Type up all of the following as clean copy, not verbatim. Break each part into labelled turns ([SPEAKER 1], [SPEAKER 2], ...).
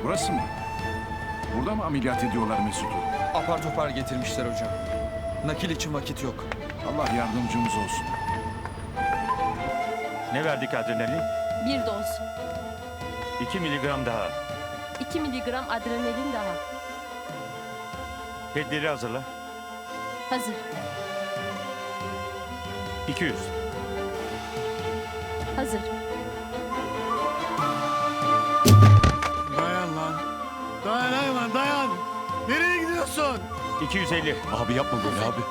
[SPEAKER 1] Burası mı? Burada mı ameliyat ediyorlar Mesut'u?
[SPEAKER 2] Apar topar getirmişler hocam. Nakil için vakit yok.
[SPEAKER 1] Allah yardımcımız olsun.
[SPEAKER 3] Ne verdik adrenalin?
[SPEAKER 4] 1 doz.
[SPEAKER 3] 2 miligram daha.
[SPEAKER 4] 2 miligram adrenalin daha.
[SPEAKER 3] Pedleri hazırla.
[SPEAKER 4] Hazır.
[SPEAKER 3] 200.
[SPEAKER 4] Hazır.
[SPEAKER 5] Dayan lan. Dayan lan dayan. Nereye gidiyorsun?
[SPEAKER 3] 250.
[SPEAKER 6] Abi yapma böyle abi.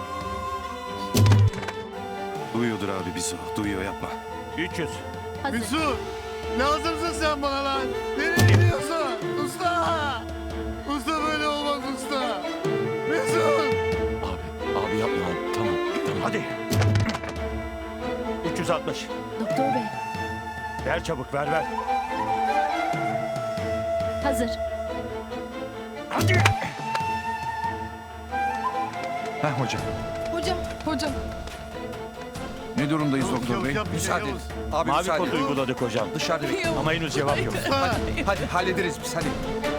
[SPEAKER 6] Duyuyordur abi bizi o. Duyuyor yapma.
[SPEAKER 3] 300.
[SPEAKER 4] Hazır.
[SPEAKER 5] Mesut. Lazımsın sen bana lan. Nereye gidiyorsun? Usta. Usta böyle olmaz usta. Mesut.
[SPEAKER 6] Abi yapma abi. Tamam.
[SPEAKER 3] Hadi. 360.
[SPEAKER 4] Doktor bey.
[SPEAKER 3] Ver çabuk ver.
[SPEAKER 4] Hazır.
[SPEAKER 3] Hadi.
[SPEAKER 7] Hocam.
[SPEAKER 1] Ne durumdayız doktor bey?
[SPEAKER 2] Müsaade edin. Abi
[SPEAKER 3] Mavi
[SPEAKER 2] müsaade
[SPEAKER 3] kod
[SPEAKER 2] edin.
[SPEAKER 3] uyguladık hocam.
[SPEAKER 2] Dışarıda bekleyin.
[SPEAKER 3] Ama henüz cevap yok.
[SPEAKER 2] Hadi hallederiz biz hadi.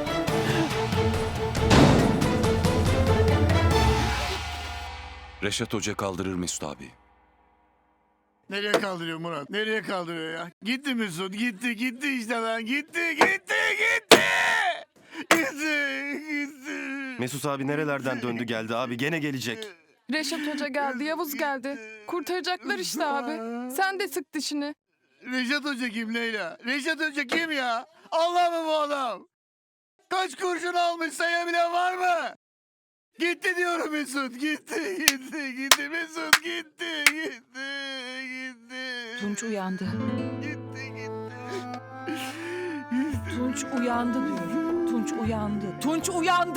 [SPEAKER 6] Reşat Hoca kaldırır Mesut abi.
[SPEAKER 5] Nereye kaldırıyor Murat? Nereye kaldırıyor ya? Gitti Mesut. Gitti işte lan. Gitti.
[SPEAKER 6] Mesut abi nerelerden döndü geldi abi. Gene gelecek.
[SPEAKER 7] Reşat Hoca geldi, Yavuz geldi. Kurtaracaklar işte abi. Sen de sık dişini.
[SPEAKER 5] Reşat Hoca kim Leyla? Reşat Hoca kim ya? Allah mı bu adam? Kaç kurşun almış sayabilen var mı? Gitti diyorum Mesut. Gitti. Mesut gitti.
[SPEAKER 8] Tunç uyandı.
[SPEAKER 5] Gitti.
[SPEAKER 8] Tunç uyandı diyorum. Tunç uyandı. Tunç uyandı!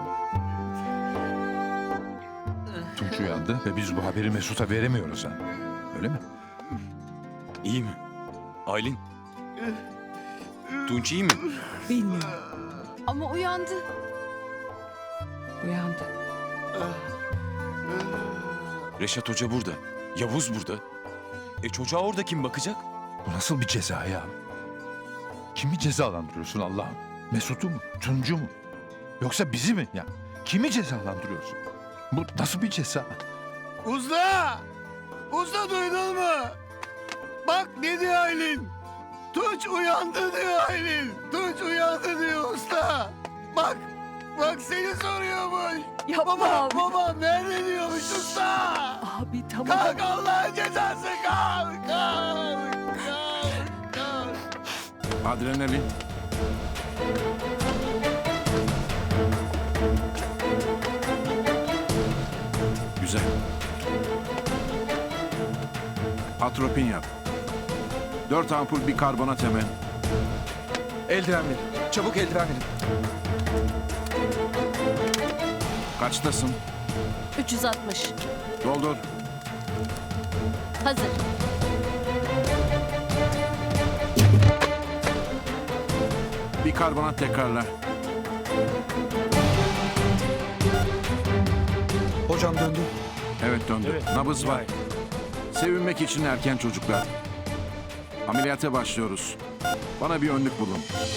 [SPEAKER 9] Tunç uyandı ve biz bu haberi Mesut'a veremiyoruz ha. Öyle mi?
[SPEAKER 6] İyi mi? Aylin. Tunç iyi mi?
[SPEAKER 8] Bilmiyorum.
[SPEAKER 7] Ama uyandı.
[SPEAKER 8] Uyandı.
[SPEAKER 6] Reşat Hoca burada. Yavuz burada. Çocuğa orada kim bakacak?
[SPEAKER 9] Bu nasıl bir ceza ya? Kimi cezalandırıyorsun Allah'ım? Mesut'u mu? Tunç'u mu? Yoksa bizi mi? Ya kimi cezalandırıyorsun? Bu nasıl bir ceza?
[SPEAKER 5] Usta! Usta duydun mu? Bak ne diyor Aylin? Tunç uyandı diyor Aylin. Tunç uyandı diyor usta. Bak seni soruyormuş.
[SPEAKER 8] Yapma abi.
[SPEAKER 5] Babam nerede diyormuş usta.
[SPEAKER 8] Abi tamam.
[SPEAKER 5] Kalk Allah'ın cezası kalk.
[SPEAKER 1] Adrenalin. Güzel. Atropin yap. 4 ampul bir karbonat hemen.
[SPEAKER 2] Eldiven verin. Çabuk eldiven verin.
[SPEAKER 1] Kaçtasın?
[SPEAKER 4] 360.
[SPEAKER 1] Doldur.
[SPEAKER 4] Hazır.
[SPEAKER 1] Bir karbonat tekrarla.
[SPEAKER 2] Hocam döndü.
[SPEAKER 1] Evet döndü.
[SPEAKER 3] Evet.
[SPEAKER 1] Nabız var.
[SPEAKER 3] Vay.
[SPEAKER 1] Sevinmek için erken çocuklar. Ameliyata başlıyoruz. Bana bir önlük bulun.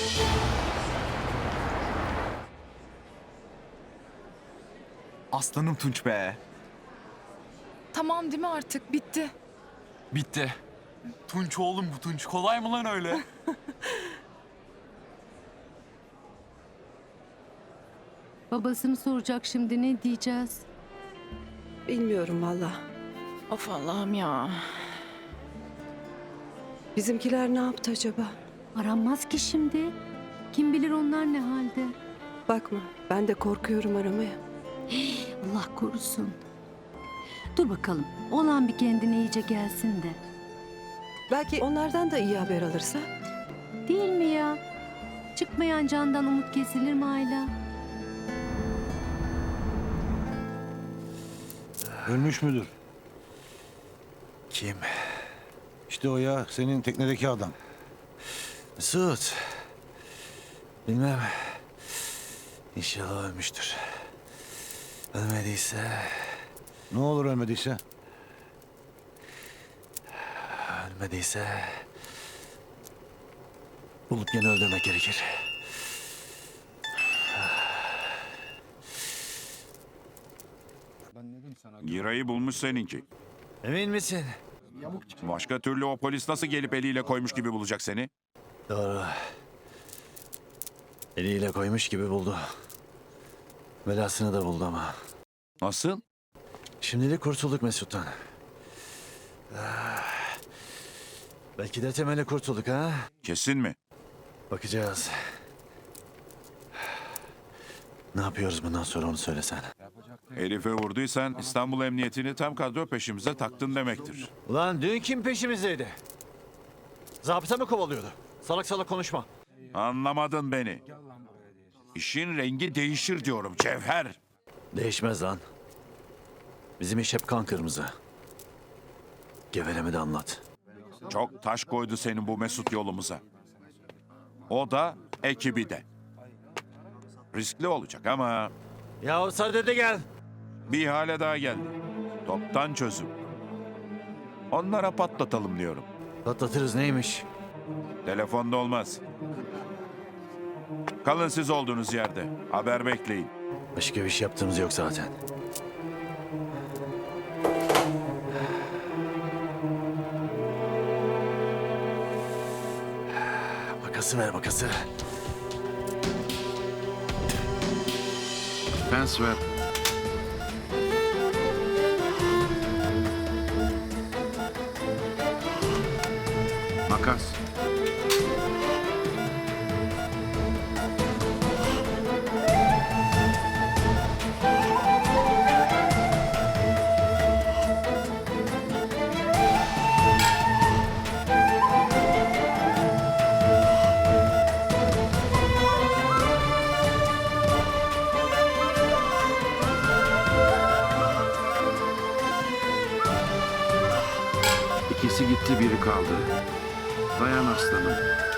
[SPEAKER 2] Aslanım Tunç be.
[SPEAKER 7] Tamam değil mi artık? Bitti.
[SPEAKER 2] Bitti. Tunç oğlum bu Tunç. Kolay mı lan öyle?
[SPEAKER 10] Babasını soracak şimdi ne diyeceğiz?
[SPEAKER 11] Bilmiyorum valla.
[SPEAKER 8] Of Allah'ım ya.
[SPEAKER 11] Bizimkiler ne yaptı acaba?
[SPEAKER 10] Aranmaz ki şimdi. Kim bilir onlar ne halde?
[SPEAKER 11] Bakma ben de korkuyorum aramaya.
[SPEAKER 10] Allah korusun. Dur bakalım. Olan bir kendine iyice gelsin de.
[SPEAKER 11] Belki onlardan da iyi haber alırsa.
[SPEAKER 10] Değil mi ya? Çıkmayan candan umut kesilir mi Ayla?
[SPEAKER 12] Ölmüş müdür?
[SPEAKER 2] Kim?
[SPEAKER 12] İşte o ya, senin teknedeki adam.
[SPEAKER 2] Mesut. Bilmem. İnşallah ölmüştür. Ölmediyse...
[SPEAKER 12] Ne olur ölmediyse?
[SPEAKER 2] Ölmediyse... Bulup yine öldürmek gerekir.
[SPEAKER 1] Girayı bulmuş seninki.
[SPEAKER 3] Emin misin?
[SPEAKER 1] Başka türlü o polis nasıl gelip eliyle koymuş gibi bulacak seni?
[SPEAKER 3] Doğru. Eliyle koymuş gibi buldu. Belasını da buldu ama.
[SPEAKER 1] Nasıl?
[SPEAKER 3] Şimdilik kurtulduk Mesut'tan. Belki de temeli kurtulduk ha?
[SPEAKER 1] Kesin mi?
[SPEAKER 3] Bakacağız. Ne yapıyoruz bundan sonra onu söylesen.
[SPEAKER 1] Herife vurduysan İstanbul Emniyetini tam kadro peşimize taktın demektir.
[SPEAKER 3] Ulan dün kim peşimizdeydi? Zabıta mı kovalıyordu? Salak salak konuşma.
[SPEAKER 1] Anlamadın beni. İşin rengi değişir diyorum Cevher.
[SPEAKER 3] Değişmez lan. Bizim iş hep kan kırmızı. Geveleme de anlat.
[SPEAKER 1] Çok taş koydu senin bu Mesut yolumuza. O da ekibi de. Riskli olacak ama
[SPEAKER 3] Ya Sade gel.
[SPEAKER 1] bir ihale daha geldi. Toptan çözüm. Onlara patlatalım diyorum.
[SPEAKER 3] Patlatırız neymiş?
[SPEAKER 1] Telefonda olmaz. Kalın siz olduğunuz yerde. Haber bekleyin.
[SPEAKER 3] Başka bir şey yaptığımız yok zaten. Makası ver makası.
[SPEAKER 1] Pens ver. Makas. İkisi gitti, biri kaldı. Dayan aslanım.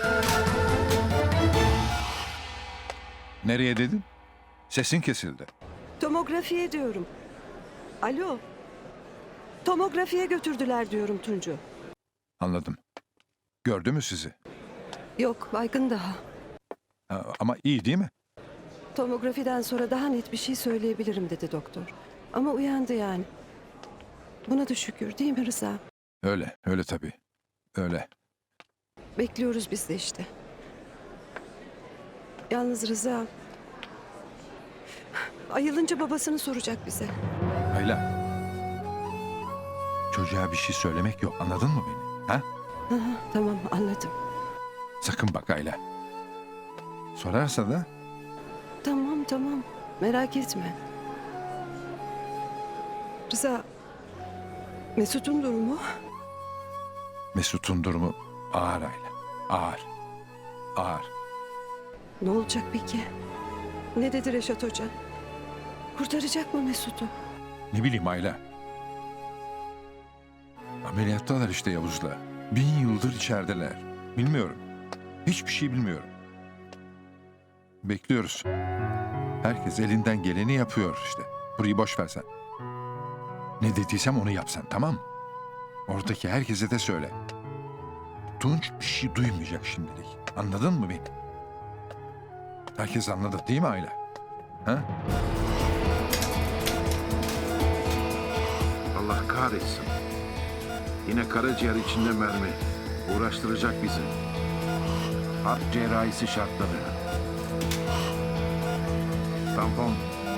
[SPEAKER 9] Nereye dedin? Sesin kesildi.
[SPEAKER 11] Tomografiye diyorum. Alo. Tomografiye götürdüler diyorum Tuncu.
[SPEAKER 9] Anladım. Gördü mü sizi?
[SPEAKER 11] Yok baygın daha.
[SPEAKER 9] Ama iyi değil mi?
[SPEAKER 11] Tomografiden sonra daha net bir şey söyleyebilirim dedi doktor. Ama uyandı yani. Buna da şükür değil mi Rıza?
[SPEAKER 9] Öyle, öyle tabii. Öyle.
[SPEAKER 11] Bekliyoruz biz de işte. Yalnız Rıza... Ayılınca babasını soracak bize.
[SPEAKER 9] Ayla. Çocuğa bir şey söylemek yok. Anladın mı beni? Ha?
[SPEAKER 11] Tamam anladım.
[SPEAKER 9] Sakın bak Ayla. Sorarsa da
[SPEAKER 11] Tamam merak etme. Rıza... Mesut'un durumu?
[SPEAKER 9] Mesut'un durumu ağır Ayla. Ağır. Ağır.
[SPEAKER 11] Ne olacak peki? Ne dedi Reşat Hoca? Kurtaracak mı Mesut'u?
[SPEAKER 9] Ne bileyim Ayla. Ameliyattalar işte Yavuz'la. 1000 yıldır içerideler. Bilmiyorum. Hiçbir şey bilmiyorum. Bekliyoruz. Herkes elinden geleni yapıyor işte. Burayı boş versen. Ne dediysem onu yapsan, tamam mı? Oradaki herkese de söyle. Tunç bir şey duymayacak şimdilik. Anladın mı beni? Herkes anladı değil mi Ayla? Ha?
[SPEAKER 1] Allah kahretsin. Yine karaciğer içinde mermi. Uğraştıracak bizi. Harp cerrahisi şartları. Tampon.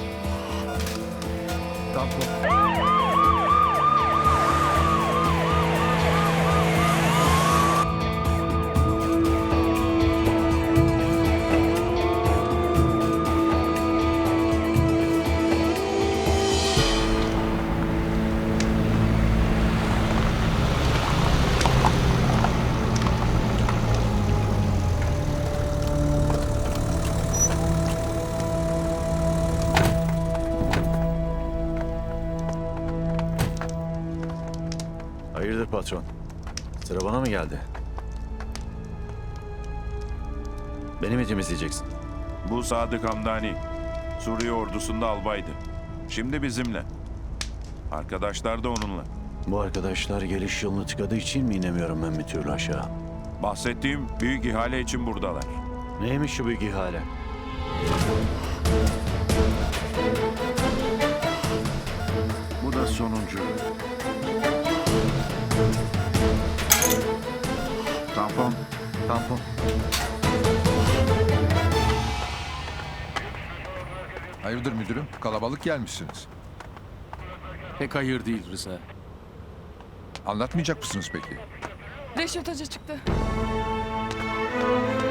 [SPEAKER 1] Tampon.
[SPEAKER 3] Hayırdır patron? Sıra bana mı geldi? Beni mi temizleyeceksin?
[SPEAKER 1] Bu Sadık Hamdani. Suriye ordusunda albaydı. Şimdi bizimle. Arkadaşlar da onunla.
[SPEAKER 3] Bu arkadaşlar geliş yolunu tıkadığı için mi inemiyorum ben bir türlü aşağı?
[SPEAKER 1] Bahsettiğim büyük ihale için buradalar.
[SPEAKER 3] Neymiş şu büyük ihale?
[SPEAKER 1] Bu da
[SPEAKER 5] sonuncu. Tampon. Tampon.
[SPEAKER 9] Hayırdır müdürüm? Kalabalık gelmişsiniz.
[SPEAKER 2] Pek hayır değil Rıza.
[SPEAKER 9] Anlatmayacak mısınız peki?
[SPEAKER 7] Reşat Hoca çıktı.